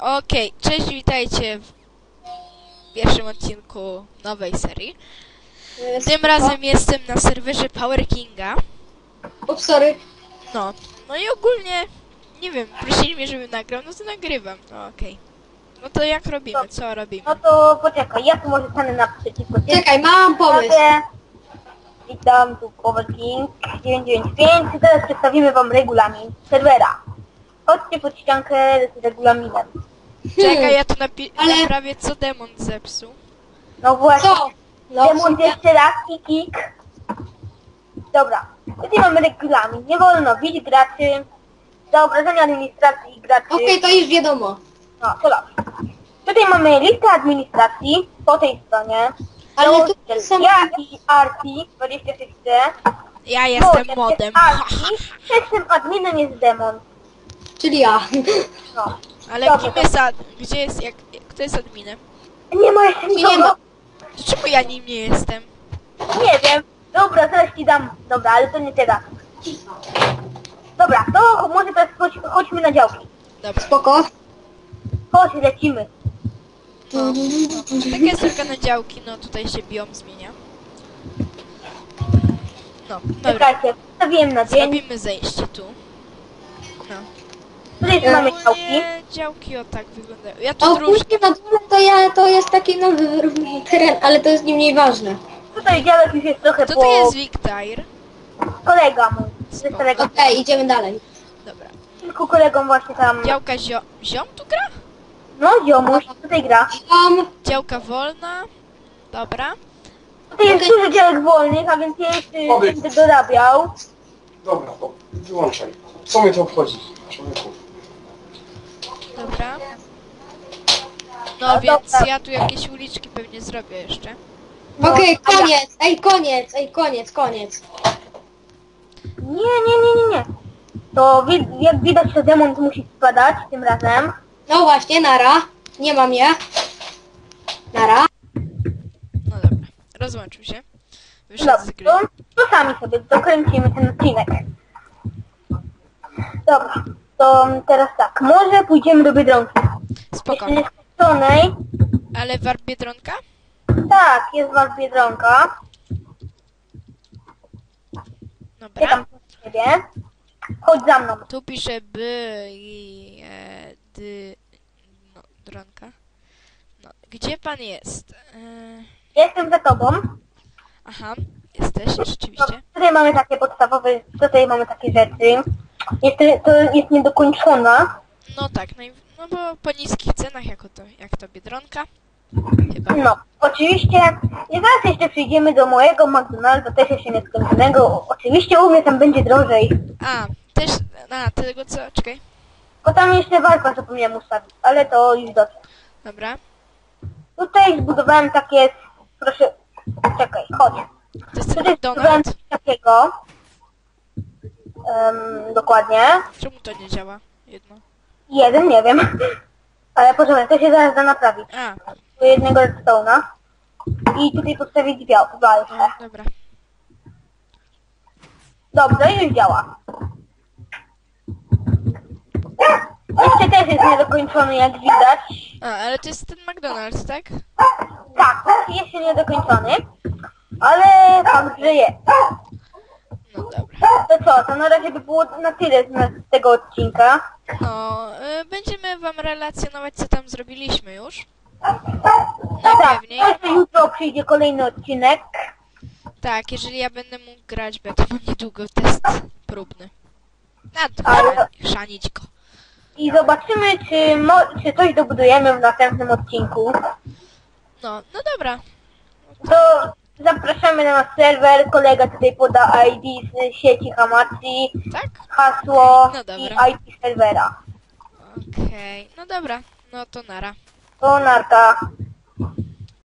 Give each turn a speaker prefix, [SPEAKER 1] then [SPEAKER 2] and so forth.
[SPEAKER 1] Okej, cześć, witajcie w pierwszym odcinku nowej serii. Tym razem jestem na serwerze Power Kinga.
[SPEAKER 2] Ups, sorry.
[SPEAKER 1] No i ogólnie, nie wiem, prosili mnie, żebym nagrał, no to nagrywam. No okej. No to jak robimy, co robimy?
[SPEAKER 3] No to poczekaj, ja tu może stanę naprzeciwko ciebie.
[SPEAKER 2] Czekaj, mam pomysł.
[SPEAKER 3] Witam, tu Power King 995. Teraz przedstawimy wam regulamin serwera. Chodźcie pod ściankę z regulaminem.
[SPEAKER 1] Czekaj, ja tu
[SPEAKER 2] Ale-
[SPEAKER 1] naprawię, co demon zepsuł.
[SPEAKER 3] No właśnie,
[SPEAKER 2] Co? No,
[SPEAKER 3] demont jeszcze raz i kick. Dobra, tutaj mamy regulamin. Nie wolno bić graczy, za obrażenia administracji graczy.
[SPEAKER 2] Okej, to już wiadomo.
[SPEAKER 3] No, to dobrze. Tutaj mamy listę administracji po tej stronie.
[SPEAKER 2] Ale tu
[SPEAKER 3] Założyciel
[SPEAKER 2] są...
[SPEAKER 3] ja i Arti 26C.
[SPEAKER 1] Ja jestem modem.
[SPEAKER 3] Pierwszym adminem jest demon.
[SPEAKER 2] Czyli ja.
[SPEAKER 3] No.
[SPEAKER 1] Ale
[SPEAKER 3] Dobrze,
[SPEAKER 1] kim jest gdzie jest, kto jest adminem?
[SPEAKER 3] Nie ma jeszcze
[SPEAKER 2] Nie
[SPEAKER 3] nikogo.
[SPEAKER 2] ma.
[SPEAKER 1] Dlaczego ja nim nie jestem?
[SPEAKER 3] Nie wiem. Dobra, zaraz ci dam. Dobra, ale to nie teraz. Dobra, to może teraz chodźmy na działki.
[SPEAKER 1] Dobra.
[SPEAKER 2] Spoko.
[SPEAKER 3] Chodź, lecimy.
[SPEAKER 1] No. Taka jest tylko na działki, no tutaj się biom zmienia. No, dobra.
[SPEAKER 3] Czekajcie, wstawiłem na dzień.
[SPEAKER 1] Zrobimy zejście tu. No.
[SPEAKER 3] Tutaj mamy działki.
[SPEAKER 1] Ogólnie działki o tak wyglądają. Ja
[SPEAKER 2] A
[SPEAKER 1] tu różne.
[SPEAKER 2] później na dole to jest taki nowy teren, ale to jest nie mniej ważne.
[SPEAKER 3] Tutaj działek już jest trochę
[SPEAKER 1] Co
[SPEAKER 3] po...
[SPEAKER 1] to jest Wiktair?
[SPEAKER 3] Kolega mój. To jest
[SPEAKER 1] Spoko.
[SPEAKER 3] kolega.
[SPEAKER 2] Okej, idziemy dalej.
[SPEAKER 1] Dobra.
[SPEAKER 3] Kilku kolegom właśnie tam...
[SPEAKER 1] Działka ziom tu gra?
[SPEAKER 3] No, ziomuś, tutaj gra.
[SPEAKER 1] Działka wolna. Dobra.
[SPEAKER 3] Tutaj jest dużo działek wolnych, a więc ja jeszcze będę dorabiał.
[SPEAKER 4] Dobra, to wyłączaj. Co mnie to obchodzi, człowieku?
[SPEAKER 1] Dobra.
[SPEAKER 3] No,
[SPEAKER 1] No więc
[SPEAKER 3] dobra.
[SPEAKER 1] ja tu jakieś uliczki pewnie zrobię jeszcze.
[SPEAKER 3] No,
[SPEAKER 2] Okej,
[SPEAKER 3] a ja-
[SPEAKER 2] koniec. Ej, koniec. Ej, koniec.
[SPEAKER 3] Nie. To jak widać, to demon musi spadać tym razem.
[SPEAKER 2] No właśnie, nara. Nie mam je. Nara.
[SPEAKER 1] No dobra. Rozłączył się. Wyszedł z
[SPEAKER 3] Dobrze,
[SPEAKER 1] gry.
[SPEAKER 3] to sami sobie dokręcimy ten odcinek. Dobra, to teraz tak, może pójdziemy do Biedronki.
[SPEAKER 1] Spoko.
[SPEAKER 3] Jeszcze nieskończonej.
[SPEAKER 1] Ale warp Biedronka?
[SPEAKER 3] Tak, jest was Biedronka. Ja
[SPEAKER 1] Dobra.
[SPEAKER 3] tam u ciebie. Chodź za mną.
[SPEAKER 1] Tu pisze no, dronka. No, gdzie pan jest?
[SPEAKER 3] Jestem za tobą.
[SPEAKER 1] Aha, jesteś, rzeczywiście.
[SPEAKER 3] Tutaj mamy takie podstawowe, tutaj mamy takie rzeczy. Jeszcze to jest niedokończona.
[SPEAKER 1] No tak, no bo po niskich cenach jak to Biedronka. Chyba.
[SPEAKER 3] No, oczywiście, i zaraz jeszcze przyjdziemy do mojego McDonalda, też jeszcze nieskończonego. Oczywiście u mnie tam będzie drożej.
[SPEAKER 1] Tego co? Czekaj.
[SPEAKER 3] Bo tam jeszcze walka zapomniałem ustawić, ale to już dobrze.
[SPEAKER 1] Dobra.
[SPEAKER 3] Tutaj zbudowałem takie, proszę, czekaj, chodź.
[SPEAKER 1] To jest ten
[SPEAKER 3] Tutaj zbudowałem
[SPEAKER 1] McDonald's.
[SPEAKER 3] coś takiego. Dokładnie.
[SPEAKER 1] Czemu to nie działa? Jedno.
[SPEAKER 3] Jeden, nie wiem. Ale poczekaj, to się zaraz da naprawić.
[SPEAKER 1] A,
[SPEAKER 3] Do jednego redstone'a. I tutaj postawić walkę.
[SPEAKER 1] no, dobra.
[SPEAKER 3] Dobrze, już działa. Jeszcze też jest niedokończony, jak widać.
[SPEAKER 1] Ale to jest ten McDonald's, tak?
[SPEAKER 3] Tak, jeszcze niedokończony. Ale fakt, że jest.
[SPEAKER 1] No dobra.
[SPEAKER 3] To co, to na razie by było na tyle z tego odcinka.
[SPEAKER 1] No, będziemy wam relacjonować, co tam zrobiliśmy już.
[SPEAKER 3] Tak,
[SPEAKER 1] Najpewniej.
[SPEAKER 3] to jutro przyjdzie kolejny odcinek.
[SPEAKER 1] Tak, jeżeli ja będę mógł grać, bo ja to mam niedługo test próbny.
[SPEAKER 3] Ale-
[SPEAKER 1] Chrzanić go.
[SPEAKER 3] I zobaczymy, czy coś dobudujemy w następnym odcinku.
[SPEAKER 1] No dobra.
[SPEAKER 3] To zapraszamy na nasz serwer. Kolega tutaj poda ID z sieci Hamachi,
[SPEAKER 1] Tak?
[SPEAKER 3] hasło
[SPEAKER 1] No dobra.
[SPEAKER 3] i IP serwera.
[SPEAKER 1] Okej. No dobra. No to nara.
[SPEAKER 3] To narka.